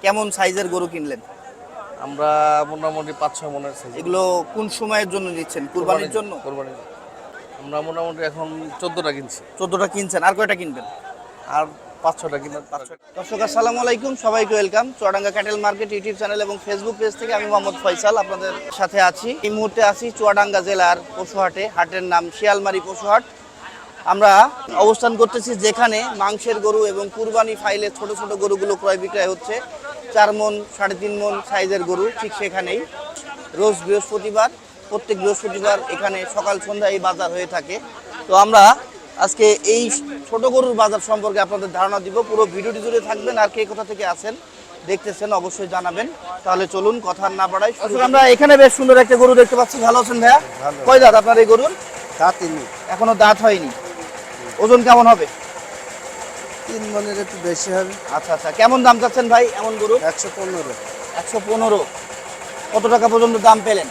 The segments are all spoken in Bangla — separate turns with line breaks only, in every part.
কেমন সাইজের গরু কিনলেন?
আমরা মোটামুটি 5-6 মনের সাইজ।
এগুলো কোন সময়ের জন্য নিচ্ছেন? কুরবানির জন্য?
কুরবানির জন্য। আমরা মোটামুটি এখন 14টা কিনছি।
14টা কিনছেন, আর কয়টা কিনবেন?
আর 5-6টা কিনলাম।
দর্শক আসসালামু আলাইকুম, সবাইকে welcome. Chuadanga cattle market YouTube channel এবং ফেসবুক পেজ থেকে আমি মোহাম্মদ ফয়সাল আপনাদের সাথে আছি। এই মুহূর্তে আছি চুয়াডাঙ্গা জেলার পশুহাটে। হাটের নাম শিয়ালমারি পশুহাট। আমরা অবস্থান করতেছি যেখানে মাংসের গরু এবং কুরবানি ফাইলে ছোট ছোট গরুগুলো ক্রয় বিক্রয় হচ্ছে। 4 মণ 3.5 মণ সাইজের গরু ঠিক সেখানেই। রোজ বৃহস্পতিবার, প্রত্যেক বৃহস্পতিবার এখানে সকাল সন্ধ্যা এই বাজার হয়ে থাকে। তো আমরা আজকে এই ছোট গরুর বাজার সম্পর্কে আপনাদের ধারণা দিব। পুরো ভিডিওটি জুড়ে থাকবেন, আর কে কোথা থেকে আসেন দেখতেছেন অবশ্যই জানাবেন। তাহলে চলুন কথা না বাড়াই। আমরা এখানে বেশ সুন্দর একটা গরু দেখতে পাচ্ছি। ভালো আছেন ভাইয়া? কয় দাঁত আপনার এই গরুর?
দাঁতিনি,
এখনো দাঁত হয়নি। ওজন কেমন হবে?
3 মনের একটু বেশি হবে।
আচ্ছা আচ্ছা, কেমন দাম চাচ্ছেন ভাই এমন গরু?
115।
115। কত টাকা পর্যন্ত দাম পেলেন?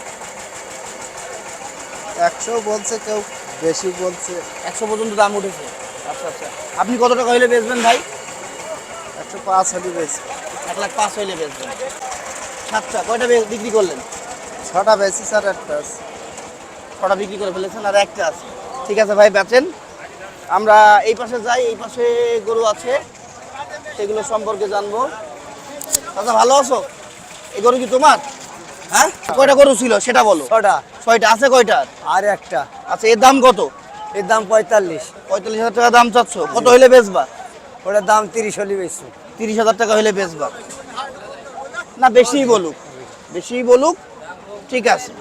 100 বলছে, কেউ বেশি বলছে।
100 পর্যন্ত দাম উঠেছে। আচ্ছা আচ্ছা, আপনি কত টাকা হইলে বেচবেন ভাই?
105 হলে বেশি।
1,05,000 হইলে বেচবেন। সাতটা কয়টা বিক্রি করলেন?
6টা বেশি, স্যার একটা আছে।
6টা বিক্রি করে ফেলেছেন, আর একটা আছে। ঠিক আছে ভাই, বেচেন। আমরা এই পাশে যাই, এই পাশে গরু আছে, সেগুলো সম্পর্কে জানবো। আচ্ছা, ভালো আছো? এই গরু কি তোমার? হ্যাঁ, কয়টা গরু ছিল সেটা বলো।
6টা।
6টা আছে কয়টা?
আর একটা।
আচ্ছা, এর দাম কত?
এর দাম 45।
45,000 টাকা দাম চাচ্ছ। কত হইলে বেচবা?
ওটার দাম 30 হলে বেশি।
30,000 টাকা হইলে বেচবা? না, বেশিই বলুক, বেশিই বলুক। ঠিক আছে।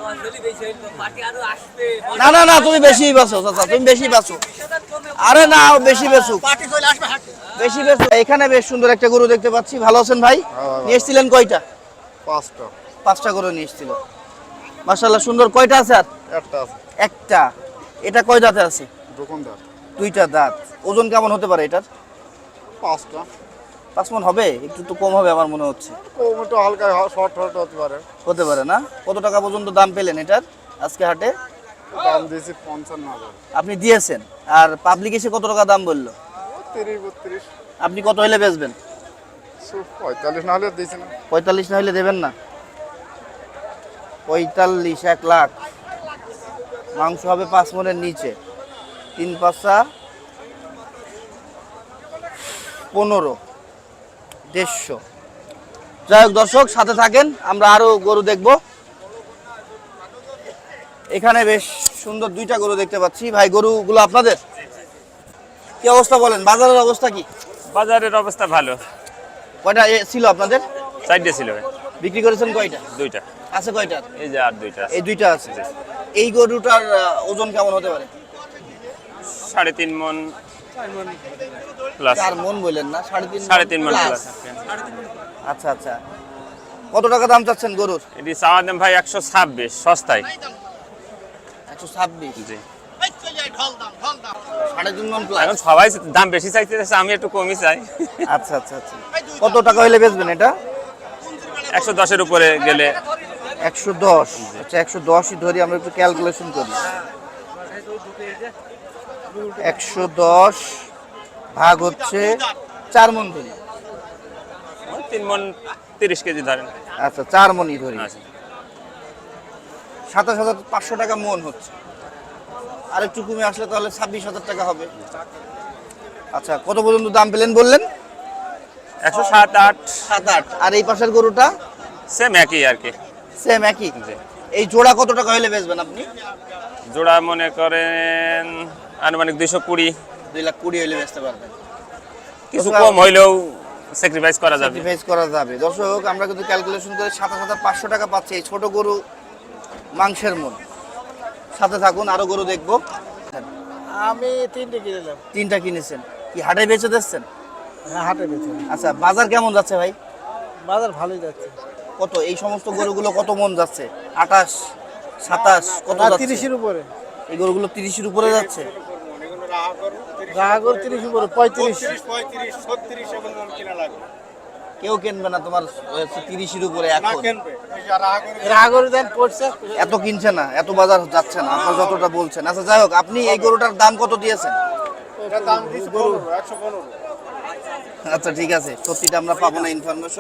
না না না, তুমি বেশি বেচো চাচা, তুমি বেশি বেচো। আরে না, বেশি বেচো, বেশি বেচো। এখানে বেশ সুন্দর একটা গরু দেখতে পাচ্ছি। ভালো আছেন ভাই? নিয়ে এসেছিলেন কয়টা?
5টা।
5টা গরু নিয়ে এসেছিল। মাশাআল্লাহ, সুন্দর। কয়টা আছে আর?
একটা আছে।
একটা। এটা কয় দাঁতে আছে?
দোকানদার।
2টা দাঁত। ওজন কেমন হতে পারে এটার?
5টা।
5 মণ হবে? একটু তো কম হবে আমার মনে হচ্ছে।
কম একটু হালকা শর্ট হতে পারে।
হতে পারে না? কত টাকা পর্যন্ত দাম পেলেন এটার আজকে হাটে?
দাম দিয়েছি 55,000।
আপনি দিয়েছেন, আর পাবলিক এসে কত টাকা দাম বললো?
30-32।
আপনি কত হইলে বেচবেন?
45 না হলে দিয়েছি না।
45 না হইলে দেবেন না? 45, 1 লাখ। মাংস হবে 5 মণের নিচে। 3 পাঁচা 15, 150। যাই হোক দর্শক, সাথে থাকেন, আমরা আরো গরু দেখব। এখানে বেশ সুন্দর 2টা গরু দেখতে পাচ্ছি। ভাই, গরুগুলো আপনাদের? কি অবস্থা বলেন, বাজারের অবস্থা কি?
বাজারের অবস্থা ভালো।
কয়টা ছিল আপনাদের?
4টে ছিল।
বিক্রি করেছেন কয়টা?
2টা
আছে কয়টা?
এই যে আর 2টা আছে।
এই 2টা আছে। এই গরুটার ওজন কেমন হতে পারে?
3.5 মণ প্লাস।
4 মণ বললেন না? 3.5
3.5 মণ প্লাস।
আচ্ছা আচ্ছা, কত টাকা দাম চাচ্ছেন গরুর?
এটি চাওয়া দাম ভাই 126 সস্তায়।
126?
জি।
3.5 মণ প্লাস।
এখন সবাই দাম বেশি চাইতেছে, আমি একটু কমই চাই।
আচ্ছা আচ্ছা আচ্ছা, কত টাকা হইলে বেচবেন এটা?
110 এর উপরে গেলে।
110? আচ্ছা, 110ই ধরি, আমরা একটু ক্যালকুলেশন করি। 110 ভাগ হচ্ছে 4 মণ ধরি।
3 মণ 30 কেজি ধরেন।
আচ্ছা, 4 মণই ধরি।
আচ্ছা।
27,500 টাকা মণ হচ্ছে। আর একটু কমে আসলে তাহলে 26,000 টাকা হবে। আচ্ছা, কত পর্যন্ত দাম পেলেন বললেন?
107, 8।
7-8। আর এই পাশের গরুটা?
সেম একই আর কি।
সেম একই।
জি।
এই জোড়া কত টাকা হইলে বেচবেন আপনি?
জোড়া মনে করেন আনুমানিক 220।
2,20,000 হইলে বেচতে পারবেন।
কিছু কম হইলেও স্যাক্রিফাইস করা যাবে।
স্যাক্রিফাইস করা যাবে। দর্শক, আমরা কিন্তু ক্যালকুলেশন করে 27,500 টাকা পাচ্ছি এই ছোট গরু মাংসের মণ। সাথে থাকুন, আরো গরু দেখবো।
আমি 3টে কিনলাম।
3টা কিনেছেন? কি হাটে বেচে দিচ্ছেন?
হ্যাঁ, হাটে বেচে।
আচ্ছা, বাজার কেমন যাচ্ছে ভাই?
বাজার ভালোই যাচ্ছে।
কত এই সমস্ত গরুগুলো কত মণ যাচ্ছে? 28, 27 কত যাচ্ছে?
30-এর উপরে।
এই গরুগুলো 30-এর উপরে যাচ্ছে।
রাহাগর 30 উপরে, 35।
কেউ কিনবে না তোমার 30-এর উপরে এখন।
রাহাগর দেন পড়ছে।
এত কিনছে না, এত বাজার যাচ্ছে না আপনার যতটা বলছেন। আচ্ছা, যাই হোক, আপনি এই গরুটার দাম কত দিয়েছেন?
এটা দাম দিয়েছে 115।
আচ্ছা ঠিক আছে, সত্যিটা আমরা পাবো না ইনফরমেশন।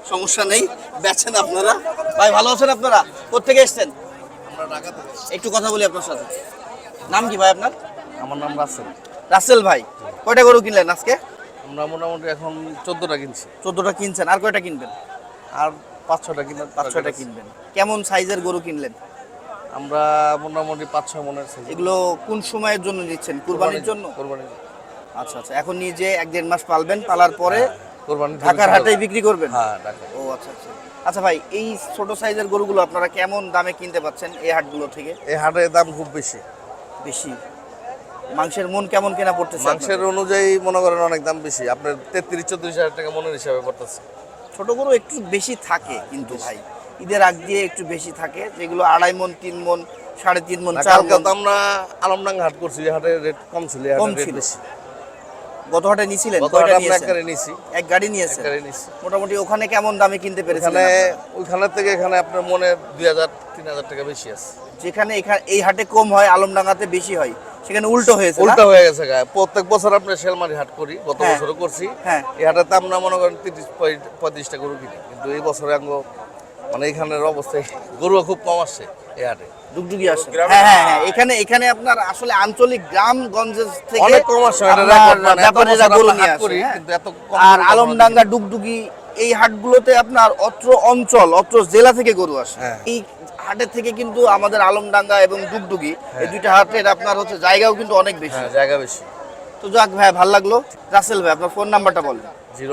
সমস্যা নেই, বেচেন আপনারা। ভাই ভালো আছেন আপনারা? কোত্থেকে এসেছেন? একটু কথা বলি আপনার সাথে। নাম কি ভাই আপনার?
আমার নাম রাসেল।
রাসেল ভাই, কয়টা গরু কিনলেন আজকে?
আমরা মোটামুটি এখন 14টা কিনছি।
14টা কিনছেন, আর কয়টা কিনবেন?
আর 5-6টা কিনবেন।
5-6টা কিনবেন। কেমন সাইজের গরু কিনলেন?
আমরা মোটামুটি 5-6 মনের সাইজ।
এগুলো কোন সময়ের জন্য দিচ্ছেন? কুরবানির জন্য?
কোরবানির জন্য।
আচ্ছা আচ্ছা, এখন নিজে 1-1.5 মাস পালবেন, পালার পরে
কোরবানি
ঢাকার হাটেই বিক্রি করবেন?
হ্যাঁ, ঢাকা।
ও আচ্ছা আচ্ছা। আচ্ছা ভাই, এই ছোট সাইজের গরুগুলো আপনারা কেমন দামে কিনতে পাচ্ছেন এই হাটগুলো থেকে?
এই হাটের দাম খুব বেশি।
বেশি? মাংসের মন কেমন কেনা পড়তেছে?
মাংসের অনুযায়ী মনে করেন অনেক দাম বেশি। আপনার 33-34 হাজার টাকা মনের হিসাবে পড়তেছে।
ছোট গরু একটু বেশি থাকে কিন্তু ভাই, ঈদের আগ দিয়ে একটু বেশি থাকে, যেগুলো 2.5 মন, 3 মন, 3.5 মন, 4
কালকে
মন।
তো আমরা আলমডাঙ্গা হাট করছি, এই হাটের রেট কম ছিল, এই
কম
হাটের রেট
ছিল।
বেশি।
গত হাটে নিয়েছিলেন?
গত
কয়টা
হাটে আমরা এক
নিয়েছেন?
গাড়ি নিছি।
এক গাড়ি নিয়েছেন।
এক গাড়ি নিছি।
মোটামুটি ওখানে কেমন দামে কিনতে পেরেছেন?
এখানে ওইখানের থেকে এখানে আপনার মনে 2000-3000 টাকা বেশি আছে।
যেখানে এই হাটে কম হয়, আলমডাঙ্গাতে বেশি হয়, সেখানে উল্টো হয়েছে না?
উল্টা হয়ে গেছে গায়ে। প্রত্যেক বছর আপনার শেলমারি হাট করি, গত
হ্যাঁ।
বছরও করছি।
হ্যাঁ।
এই হাটের দাম না মনে করেন 30-35 টাকা গরু কিনি, কিন্তু এই বছরে মানে এখানের অবস্থায় গরু খুব কম আসছে এই হাটে।
ডুগডুগি আসে। হ্যাঁ হ্যাঁ হ্যাঁ, এখানে আপনার আসলে আঞ্চলিক গ্রামগঞ্জের থেকে
অনেক কম আসছে, এটা
আপনার
record, মানে এত
ব্যাপারীরা
বছর
গরু
আমরা
নিয়ে
হাট
আসে,
করি,
হ্যাঁ।
কিন্তু এত কম
আর
গরু কখনো
আলমডাঙ্গা, ডুগডুগি এই হাটগুলোতে আপনার অত্র অঞ্চল, অত্র জেলা থেকে গরু আসে।
হ্যাঁ।
এই হাটের থেকে কিন্তু আমাদের আলমডাঙ্গা এবং ডুগডুগি এই দুইটা হাটের আপনার হচ্ছে জায়গাও কিন্তু অনেক বেশি।
হ্যাঁ, জায়গা বেশি।
তো যাক ভাই, ভালো লাগলো। রাসেল ভাই, আপনার ফোন নাম্বারটা বলেন।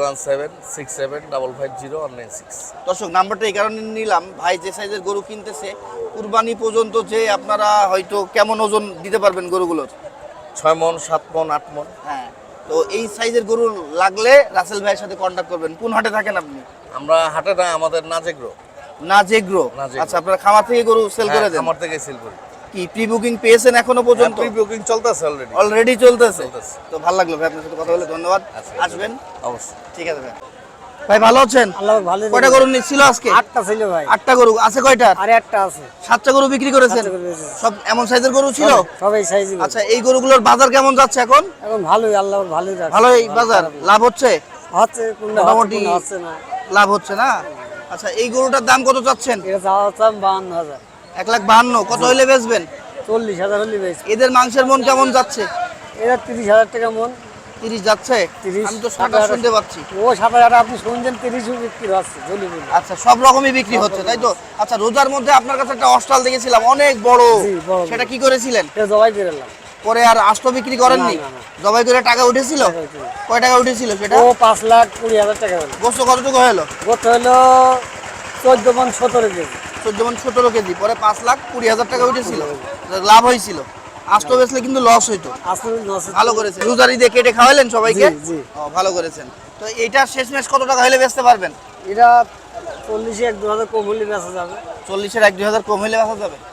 01767550196।
দর্শক, নাম্বারটা এই কারণে নিলাম, ভাই যে সাইজের গরু কিনতেছে, কুরবানি পর্যন্ত যে আপনারা হয়তো কেমন ওজন দিতে পারবেন গরুগুলোর?
6 মন, 7 মন, 8 মন।
হ্যাঁ, তো এই সাইজের গরু লাগলে রাসেল ভাইয়ের সাথে কন্ট্যাক্ট করবেন। কোন হাটে থাকেন আপনি?
আমরা হাটে না, আমাদের নাজেগ্রো।
নাজেগ্রো।
নাজেগ্রো।
আচ্ছা, আপনারা খামার থেকে গরু সেল করে দেন?
আমার থেকে সেল করি।
কি প্রি বুকিং পেয়েছেন এখনো পর্যন্ত?
প্রি বুকিং চলতেছে অলরেডি।
অলরেডি চলতেছে?
চলতেছে।
তো ভালো লাগলো ভাই আপনার সাথে কথা বলে, ধন্যবাদ।
আচ্ছা,
আসবেন?
অবশ্যই।
ঠিক আছে ভাই। ভাই ভালো আছেন?
আল্লাহ ভালো
কয়টা গরু নিচ্ছিল আজকে?
8টা ছিল ভাই,
8টা গরু আছে। কয়টা?
আর একটা আছে।
7টা গরু বিক্রি করেছেন?
7টা গরু বেচেছি।
সব এমন সাইজের গরু ছিল?
সবাই সাইজ।
আচ্ছা, এই গরুগুলোর বাজার কেমন যাচ্ছে এখন?
এখন ভালোই, আল্লাহ ভালোই রাখছে।
ভালোই বাজার, লাভ হচ্ছে?
হচ্ছে, কোনটা
মোটামুটি
হচ্ছে না।
লাভ হচ্ছে না? আচ্ছা, এই গরুটার দাম কত চাচ্ছেন?
এটা চাওয়া চাম 52,000।
1,52,000। কত হইলে বেচবেন?
40,000 হলে বেশি।
এদের মাংসের মন কেমন যাচ্ছে?
এটা 30,000 টাকা মন।
30 যাচ্ছে?
30,
আমি তো 27 শুনতে পাচ্ছি।
ও 7,000 আপনি শুনছেন, 30 বিক্রি হচ্ছে জলি বলি।
আচ্ছা, সব রকমই বিক্রি হচ্ছে, তাই তো? আচ্ছা, রোজার মধ্যে আপনার কাছে একটা অস্টাল দেখেছিলাম অনেক বড়,
জি, বড়।
সেটা কি করেছিলেন?
এটা জবাই করে এলাম।
পরে আর আস্ত বিক্রি করেননি?
না, না, না।
জবাই করে টাকা উঠেছিল?
টাকা উঠেছিল।
কয় টাকা উঠেছিল সেটা?
ও 5,20,000 টাকা হলো।
গোস্ত কতটুকু হলো?
গত হলো 14 মন 17 কেজি।
14 মানে 17 কেজি, পরে 5,20,000 টাকা উঠেছিল, লাভ হয়েছিল। আস্ত বেচলে কিন্তু লস হইতো।
আসলে
ভালো করেছেন, রোজার ঈদে কেটে খাওয়াইলেন সবাইকে?
জি, জি।
ও, ভালো করেছেন। তো এইটা শেষমেশ কত টাকা হলে বেচতে পারবেন?
এটা 40 1-2,000 কম হলে বেচা যাবে।
40-এর 1-2,000 কম হইলে বেচা যাবে।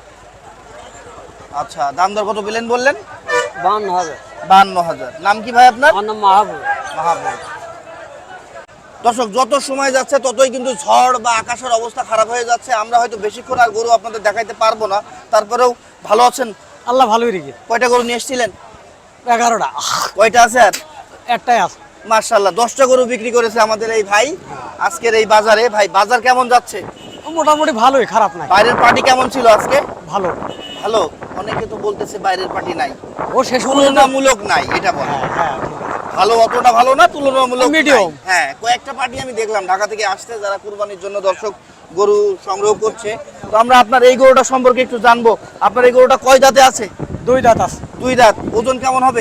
আচ্ছা, দাম দর কত পেলেন বললেন?
52,000।
52,000। নাম কি ভাই আপনার?
আমার নাম মাহবুব।
মাহবুব। দর্শক, যত সময় যাচ্ছে ততই কিন্তু ঝড় বা আকাশের অবস্থা খারাপ হয়ে যাচ্ছে। আমরা হয়তো বেশিক্ষণ আর গরু আপনাদের দেখাইতে পারবো না, তারপরেও ভালো আছেন?
আল্লাহ ভালোই রেখে।
কয়টা গরু নিয়ে এসেছিলেন?
11টা।
কয়টা আছে আর?
একটাই আছে।
মাশাআল্লাহ, 10টা গরু বিক্রি করেছে আমাদের এই ভাই আজকের এই বাজারে। ভাই, বাজার কেমন যাচ্ছে?
মোটামুটি ভালোই, খারাপ নাই।
বাইরের পার্টি কেমন ছিল আজকে?
ভালো।
ভালো। অনেকে তো বলতেছে বাইরের পার্টি নাই,
ও শেষ
তুলনামূলক নাই, এটা বলে।
হ্যাঁ,
ভালো, অতটা ভালো না, তুলনামূলক
Medium।
নাই। হ্যাঁ, কয়েকটা পার্টি আমি দেখলাম ঢাকা থেকে আসছে, যারা কুরবানির জন্য দর্শক গরু সংগ্রহ করছে। তো আমরা আপনার এই গরুটা সম্পর্কে একটু জানবো। আপনার এই গরুটা কয় দাঁতে আছে?
2 দাঁত আছে।
2 দাঁত। ওজন কেমন হবে?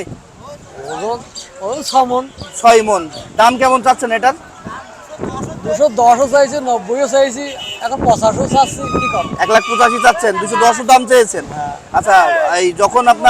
ওজন 6 মন।
6 মন। দাম কেমন চাচ্ছেন এটার?
210ও চাইছি, 90ও চাইছি, এখন 85ও চাচ্ছি। কি কম?
1,85,000 চাচ্ছেন, 210 দাম চেয়েছেন। আচ্ছা, এই যখন আপনার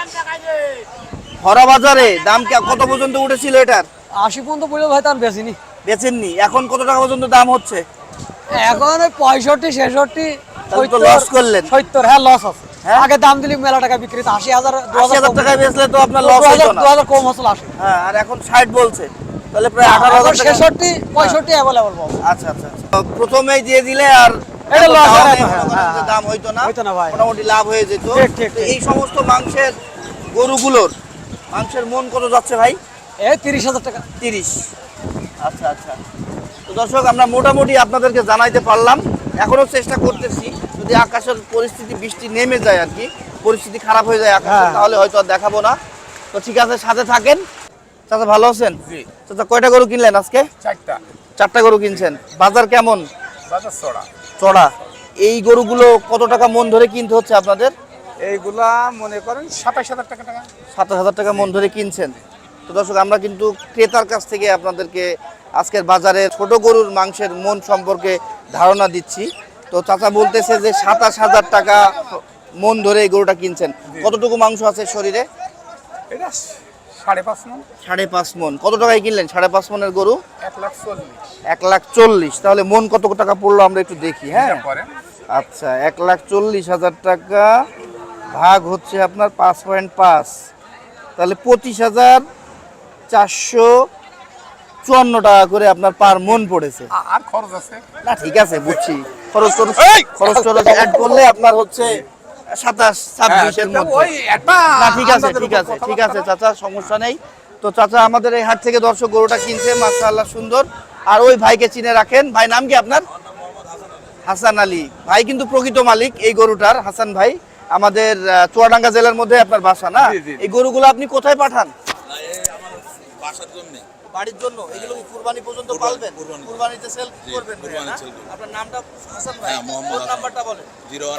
ভরা বাজারে দাম কত পর্যন্ত উঠেছিল এটার?
80 পর্যন্ত পড়লে ভাই তার বেশি নি।
বেচেননি, এখন কত টাকা পর্যন্ত দাম হচ্ছে?
এখন 65 66
তাহলে তো লস করলেন।
70, হ্যাঁ লস আছে।
হ্যাঁ?
আগে দাম দিলি মেলা টাকা বিক্রি, 80,000
80,000 টাকায় বেচলে তো আপনার লস হতো না।
2000 কম হচ্ছে 80।
হ্যাঁ, আর এখন 60 বলছে, তাহলে প্রায় 18,000 টাকা।
66 65 অ্যাভেলেবল পাবো।
আচ্ছা আচ্ছা আচ্ছা। তো প্রথমেই দিয়ে দিলে আর
এটা loss
দামে
হয় না,
মনে করেন যে দাম হইতো না,
হইতো না ভাই।
মোটামুটি লাভ হয়ে যেত।
ঠিক, ঠিক,
তো
ঠিক।
এই সমস্ত মাংসের গরুগুলোর মাংসের মন কত যাচ্ছে ভাই?
এই 30,000 টাকা।
30। আচ্ছা আচ্ছা। তো দর্শক আমরা মোটামুটি আপনাদেরকে জানাইতে পারলাম, এখনো চেষ্টা করতেছি যদি আকাশের পরিস্থিতি বৃষ্টি নেমে যায় আর কি, পরিস্থিতি খারাপ হয়ে যায় আকাশের, তাহলে হয়তো আর দেখাবো না। তো ঠিক আছে, সাথে থাকেন। চাচা ভালো আছেন?
জি।
চাচা কয়টা গরু কিনলেন আজকে?
4টা
গরু কিনছেন। বাজার কেমন?
বাজার চড়া।
চড়া। এই গরুগুলো কত টাকা মন ধরে কিনতে হচ্ছে আপনাদের?
এইগুলা মনে করেন 27,000 টাকা।
27,000 টাকা মন ধরে কিনছেন। তো দর্শক আমরা কিন্তু ক্রেতার কাছ থেকে আপনাদেরকে আজকের বাজারে ছোট গরুর মাংসের মন সম্পর্কে ধারণা দিচ্ছি। তো চাচা বলতেছে যে 27,000 টাকা মন ধরে এই গরুটা কিনছেন। কতটুকু মাংস আছে শরীরে?
এটা 5.5 মণ।
5.5 মন। কত টাকায় কিনলেন 5.5 মনের গরু?
1,40,000।
1,40,000। তাহলে মন কত টাকা পড়লো আমরা একটু দেখি। হ্যাঁ,
পরে
আচ্ছা, 1,40,000 টাকা ভাগ হচ্ছে আপনার 5.5, তাহলে 25,454 টাকা করে আপনার পার মন পড়েছে।
আর খরচ আছে।
না ঠিক আছে, বুঝছি। খরচ অ্যাড করলে আপনার হচ্ছে 27-26 এর মধ্যে।
ওই একটা
না ঠিক আছে, ঠিক আছে চাচা, সমস্যা নেই। তো চাচা আমাদের এই হাট থেকে দর্শক গরুটা কিনছে, মাশাআল্লাহ সুন্দর। আর ওই ভাইকে চিনে রাখেন। ভাই নাম কি আপনার? হাসান আলী ভাই কিন্তু প্রকৃত মালিক এই গরুটার। হাসান ভাই আমাদের চুয়াডাঙ্গা জেলার মধ্যে আপনার বাসা না?
জি, জি।
এই গরুগুলো আপনি কোথায় পাঠান?
বাসার জন্য
বাড়ির জন্য। এগুলো কি কুরবানি পর্যন্ত পালবেন? কুরবানিতে সেল করবেন ভাইয়া, না? আপনার নামটা হাসান ভাই,
হ্যাঁ, মোহাম্মদ
ফোন
হাসান।
নাম্বারটা বলেন।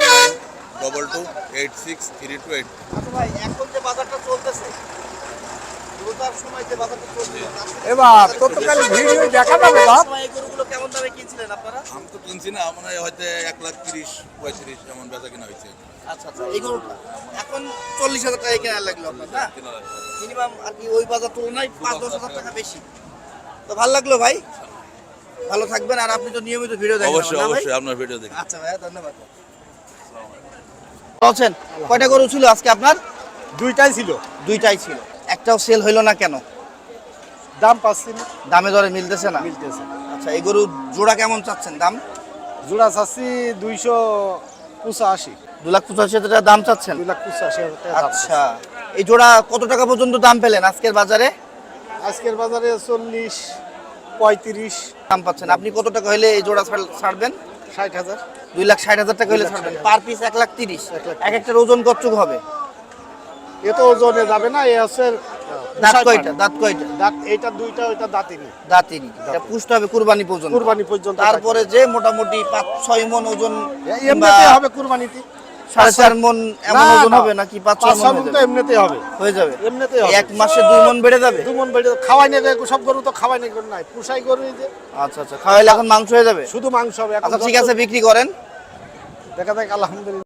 01922863228।
আচ্ছা ভাই, এখন যে বাজারটা চলতেছে, রোজার সময় যে বাজারটা চলছে,
এবার ততকাল ভিডিও দেখা যাবে বাপ।
এই গরুগুলো কেমন দামে কিনছিলেন আপনারা?
আমি তো কিনছি না, মনে হয় হয়তো 1,30,000-35,000 এমন বেচা কিনা হয়েছে।
আচ্ছা, এই গরুটা এখন 40,000 টাকা কেনা লাগলো আপনার, না?
কেনা লাগবে।
মিনিমাম আর কি ওই বাজার তুলনায় 5-10,000 টাকা বেশি। তো ভালো লাগলো ভাই, ভালো থাকবেন। আর আপনি তো নিয়মিত ভিডিও দেখেন
অবশ্যই
না ভাই?
অবশ্যই আপনার ভিডিও দেখি।
আচ্ছা ভাইয়া, ধন্যবাদ। বলছেন কয়টা গরু ছিল আজকে আপনার?
দুইটাই ছিল,
দুইটাই ছিল। একটাও সেল হইলো না কেন?
দাম পাচ্ছি না,
দামে দরে মিলতেছে না?
মিলতেছে।
আচ্ছা, এই গরু জোড়া কেমন চাচ্ছেন দাম?
জোড়া চাচ্ছি 285,
2,85,000 টাকা দাম চাচ্ছেন?
285,000 টাকা দাম।
আচ্ছা, এই জোড়া কত টাকা পর্যন্ত দাম পেলেন আজকের বাজারে?
আজকের বাজারে 40, 35,
দাম পাচ্ছেন। আপনি কত টাকা হলে এই জোড়া ছাড়বেন?
60,000।
2,60,000 টাকা হলে ছাড়বেন। Per piece 1,30,000। এক একটার ওজন কতটুকু হবে?
এ তো ওজনে যাবে না, এ আছে
দাঁত কয়টা? দাঁত কয়টা?
দাঁত এইটা দুইটা, ওইটা দাঁতিনি।
দাঁতিনি। এটা পুষ্ট হবে কুরবানি পর্যন্ত।
কুরবানি পর্যন্ত
তারপরে যে মোটামুটি 5-6 মণ ওজন,
এমনিতে হবে কুরবানিতে।
4.5 মণ এমন
না,
ওজন
না।
হবে নাকি 5-6 মণ
5-6
হয়ে
মণ তো
যাবে?
এমনিতে হবে।
হয়ে যাবে।
এমনিতেই হবে।
এক মাসে 2 মণ বেড়ে যাবে?
2 মণ বেড়ে খাওয়াই না, সব গরু তো খাওয়াই না, গরু নাই পুষাই গরু, এই যে
আচ্ছা আচ্ছা, খাওয়াইলে এখন মাংস হয়ে যাবে?
শুধু মাংস হবে। এখন
আচ্ছা ঠিক আছে, বিক্রি করেন।
দেখা যাক, আলহামদুলিল্লাহ।